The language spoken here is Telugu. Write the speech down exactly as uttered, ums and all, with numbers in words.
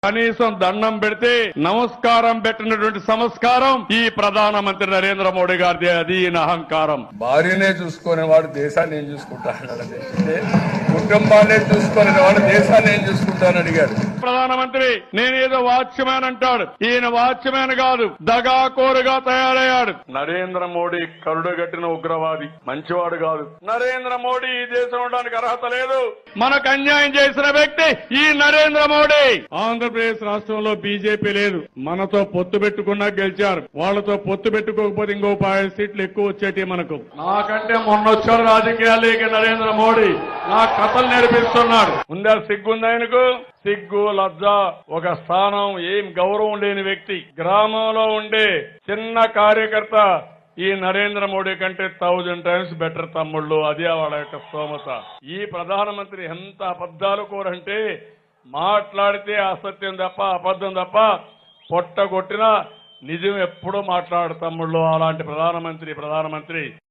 కనీసం దండం పెడితే నమస్కారం పెట్టినటువంటి సంస్కారం ఈ ప్రధానమంత్రి నరేంద్ర మోడీ గారిది. అది ఈయన అహంకారం. భార్యనే చూసుకునేవాడు దేశాన్ని ఏం చూసుకుంటాడు, కుటుంబాన్ని చూసుకునేవాడు దేశాన్ని ఏం చూసుకుంటానని అడిగాడు ప్రధానమంత్రి. నేనేదో వాచ్మ్యాన్ అంటాడు, ఈయన వాచ్మ్యాన్ కాదు, దగాకోరుగా తయారయ్యాడు. నరేంద్ర మోడీ కరుడుగట్టిన ఉగ్రవాది, మంచివాడు కాదు. నరేంద్ర మోడీ ఈ దేశం ఉండడానికి అర్హత లేదు. మనకు అన్యాయం చేసిన వ్యక్తి ఈ నరేంద్ర మోడీ. ఆంధ్రప్రదేశ్ రాష్ట్రంలో బీజేపీ లేదు, మనతో పొత్తు పెట్టుకున్నా గెలిచారు. వాళ్లతో పొత్తు పెట్టుకోకపోతే ఇంకో పది సీట్లు ఎక్కువ వచ్చేటి మనకు. నాకంటే మొన్న వచ్చాడు రాజకీయాలకి నరేంద్ర మోడీ, నా కథలు నేర్పిస్తున్నాడు. ఉందా సిగ్గుంది ఆయనకు? సిగ్గు లజ్జ, ఒక స్థానం, ఏం గౌరవం లేని వ్యక్తి. గ్రామంలో ఉండే చిన్న కార్యకర్త ఈ నరేంద్ర మోడీ కంటే థౌజండ్ టైమ్స్ బెటర్ తమ్ముళ్ళు. అదే వాళ్ళ యొక్క స్తోమత. ఈ ప్రధానమంత్రి ఎంత అబద్దాలు కోరంటే, మాట్లాడితే అసత్యం తప్ప అబద్ధం తప్ప పొట్ట కొట్టినా నిజం ఎప్పుడూ మాట్లాడు తమ్ముళ్ళు. అలాంటి ప్రధానమంత్రి ప్రధానమంత్రి